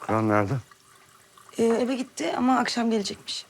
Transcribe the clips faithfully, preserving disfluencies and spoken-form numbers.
Şükran nerede? Ee, eve gitti ama akşam gelecekmiş.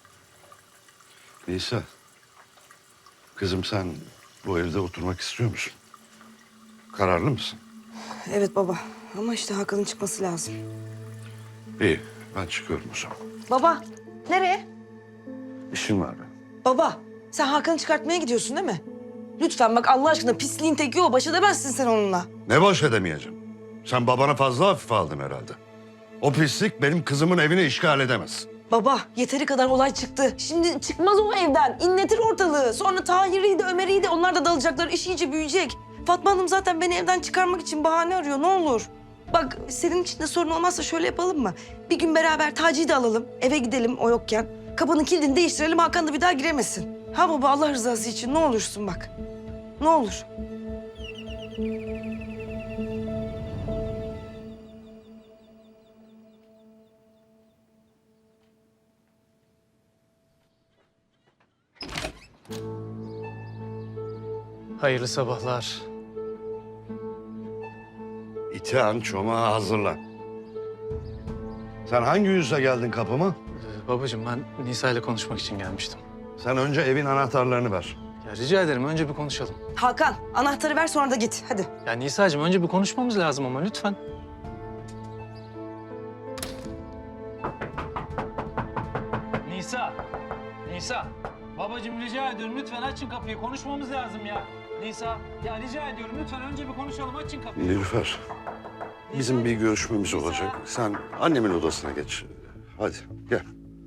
Nisa. Kızım sen bu evde oturmak istiyor musun? Kararlı mısın? Evet baba ama işte Hakan'ın çıkması lazım. İyi, ben çıkıyorum o zaman. Baba nereye? İşim var benim. Baba sen Hakan'ı çıkartmaya gidiyorsun değil mi? Lütfen bak Allah aşkına pisliğin teki o. Baş edemezsin sen onunla. Ne boş edemeyeceğim? Sen babana fazla hafife aldın herhalde. O pislik benim kızımın evini işgal edemez. Baba yeteri kadar olay çıktı. Şimdi çıkmaz o evden. İnletir ortalığı. Sonra Tahir'iydi, Ömer'iydi. Onlar da dalacaklar. İş iyice büyüyecek. Fatma Hanım zaten beni evden çıkarmak için bahane arıyor. Ne olur. Bak senin için de sorun olmazsa şöyle yapalım mı? Bir gün beraber Taci'yi de alalım. Eve gidelim o yokken. Kapının kilidini değiştirelim. Hakan da bir daha giremesin. Ha baba Allah rızası için ne olursun bak. Ne olur. Hayırlı sabahlar. İtihan çomağı hazırlan. Sen hangi yüzle geldin kapıma? Ee, babacığım ben Nisa ile konuşmak için gelmiştim. Sen önce evin anahtarlarını ver. Ya rica ederim önce bir konuşalım. Hakan anahtarı ver sonra da git. Hadi. Ya Nisa'cığım önce bir konuşmamız lazım ama lütfen. Nisa, Nisa. Babacığım rica ediyorum lütfen açın kapıyı. Konuşmamız lazım ya. Nisa, ya rica ediyorum lütfen önce bir konuşalım. Açın kapıyı. Nilüfer, bizim bir görüşmemiz olacak. Sen annemin odasına geç. Hadi gel.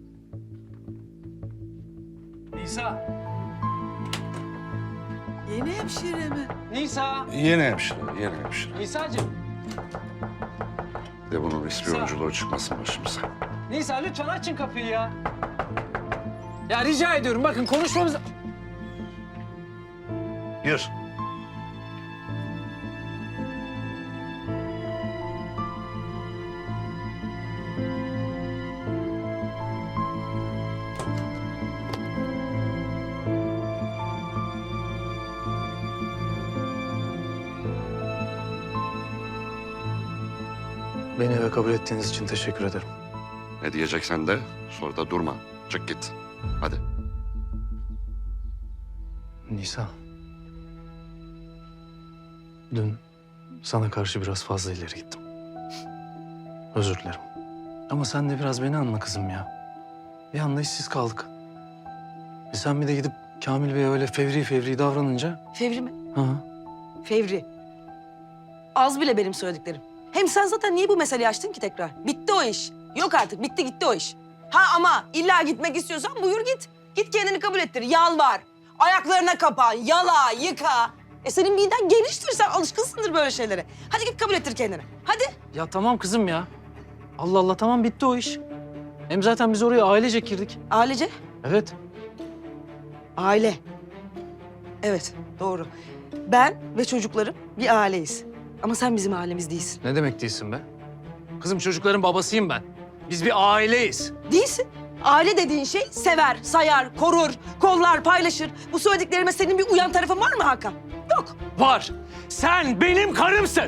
Nisa, Yeni hemşire mi? Nisa. Yeni hemşire, yeni hemşire. Nisa'cığım. De bunun ispiyonculuğu çıkmasın başımıza. Nisa lütfen açın kapıyı ya. Ya rica ediyorum bakın konuşmamız... Gir. Beni eve kabul ettiğiniz için teşekkür ederim. Ne diyeceksen de sonra da durma. Çık git. Hadi. Nisa. Dün sana karşı biraz fazla ileri gittim. Özür dilerim. Ama sen de biraz beni anla kızım ya. Bir anda işsiz kaldık. E sen bir de gidip Kamil Bey'e öyle fevri fevri davranınca... Fevri mi? Hı. Fevri. Az bile benim söylediklerim. Hem sen zaten niye bu meseleyi açtın ki tekrar? Bitti o iş. Yok artık bitti gitti o iş. Ha ama illa gitmek istiyorsan buyur git. Git kendini kabul ettir. Yalvar. Ayaklarına kapan. Yala, yıka. E senin miden geniştir. Sen alışkınsındır böyle şeylere. Hadi git kabul ettir kendini. Hadi. Ya tamam kızım ya. Allah Allah tamam bitti o iş. Hem zaten biz oraya ailecek girdik. Ailece. Evet. Aile. Evet doğru. Ben ve çocuklarım bir aileyiz. Ama sen bizim ailemiz değilsin. Ne demek değilsin be? Kızım çocukların babasıyım ben. Biz bir aileyiz. Değilsin. Aile dediğin şey sever, sayar, korur, kollar, paylaşır. Bu söylediklerime senin bir uyan tarafın var mı Hakan? Yok. Var. Sen benim karımsın.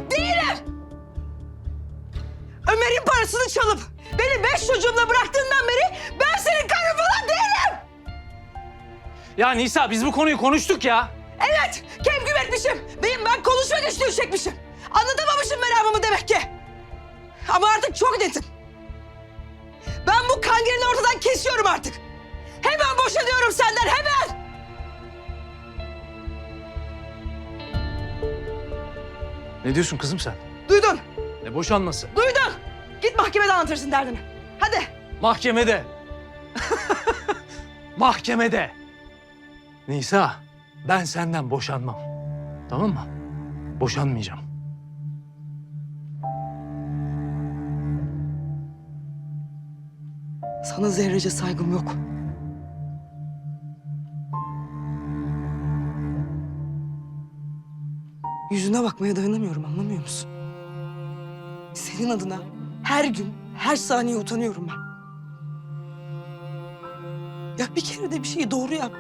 Ömer'in parasını çalıp beni beş çocuğumla bıraktığından beri ben senin karın falan değilim. Ya Nisa biz bu konuyu konuştuk ya. Evet, kevgüm etmişim. Benim ben konuşma güçlüğü çekmişim. Anlatamamışım meramımı demek ki. Ama artık çok netim. Ben bu kangerini ortadan kesiyorum artık. Hemen boşanıyorum senden, hemen. Ne diyorsun kızım sen? Duydun, Ne boşanması? duydun. Git mahkemede anlatırsın derdini. Hadi. Mahkemede. Mahkemede. Nisa, ben senden boşanmam. Tamam mı? Boşanmayacağım. Sana zerrece saygım yok. Yüzüne bakmaya dayanamıyorum, anlamıyor musun? Senin adına her gün, her saniye utanıyorum ben. Ya bir kere de bir şeyi doğru yap.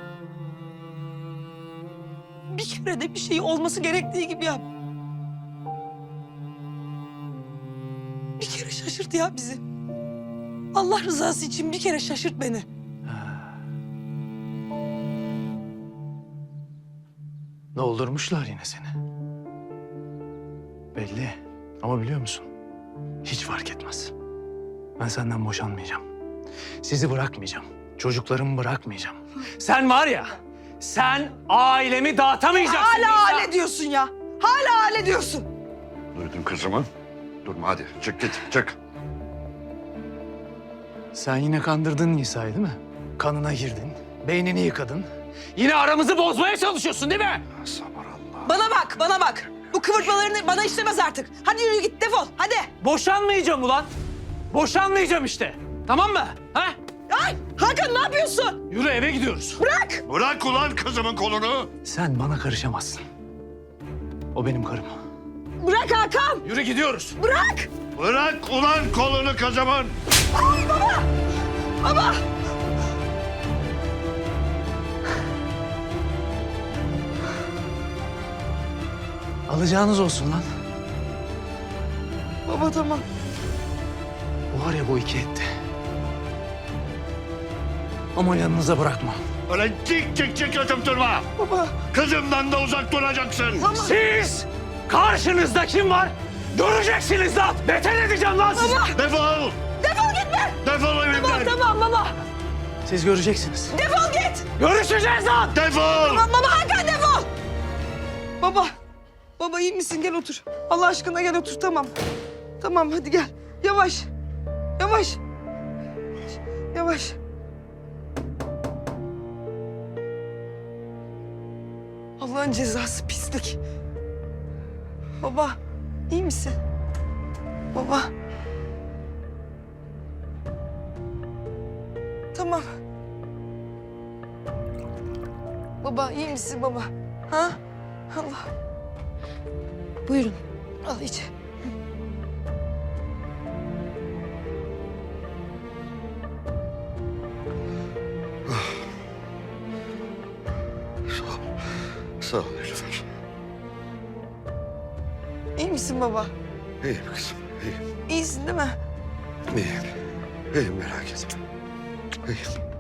Bir kere de bir şeyi olması gerektiği gibi yap. Bir kere şaşırt şaşırt ya bizi. Allah rızası için bir kere şaşırt beni. Doldurmuşlar yine seni. Belli. Ama biliyor musun? Hiç fark etmez. Ben senden boşanmayacağım. Sizi bırakmayacağım. Çocuklarımı bırakmayacağım. Sen var ya, sen ailemi dağıtamayacaksın. Hala Nisa. hale diyorsun ya. Hala hale diyorsun. Duydun kızımı. Durma hadi çık git çık. Sen yine kandırdın Nisa'yı değil mi? Kanına girdin, beynini yıkadın. Yine aramızı bozmaya çalışıyorsun değil mi? Sabır Allah. Bana bak, bana bak. Bu kıvırtmalarını bana işlemez artık. Hadi yürü git, defol. Hadi. Boşanmayacağım ulan. Boşanmayacağım işte. Tamam mı? Ha? Ay, Hakan ne yapıyorsun? Yürü eve gidiyoruz. Bırak. Bırak ulan kızımın kolunu. Sen bana karışamazsın. O benim karım. Bırak Hakan. Yürü gidiyoruz. Bırak. Bırak ulan kolunu kızımın. Ay baba. Baba. Alacağınız olsun lan. Baba tamam. Bu var ya bu iki etti. Ama yanınıza bırakma. Öyle cik cik cik yatıp durma. Baba. Kızımdan da uzak duracaksın. Tamam. Siz karşınızda kim var? Göreceksiniz lan. Beter edeceğim lan sizi. Baba. Defol. Defol gitme. Defol evimden. Tamam tamam baba. Siz göreceksiniz. Defol git. Görüşeceğiz lan. Defol. Tamam baba Hakan defol. Baba. Baba iyi misin? Gel otur. Allah aşkına gel otur tamam. Tamam hadi gel. Yavaş. Yavaş. Yavaş. Allah'ın cezası pislik. Baba iyi misin? Baba. Tamam. Baba iyi misin baba? Ha? Allah. Buyurun. Al iç. Sağ ol. Sağ ol Nilüfer. İyi misin baba? İyiyim kızım. İyiyim. İyisin değil mi? İyiyim. İyiyim merak etme. İyiyim.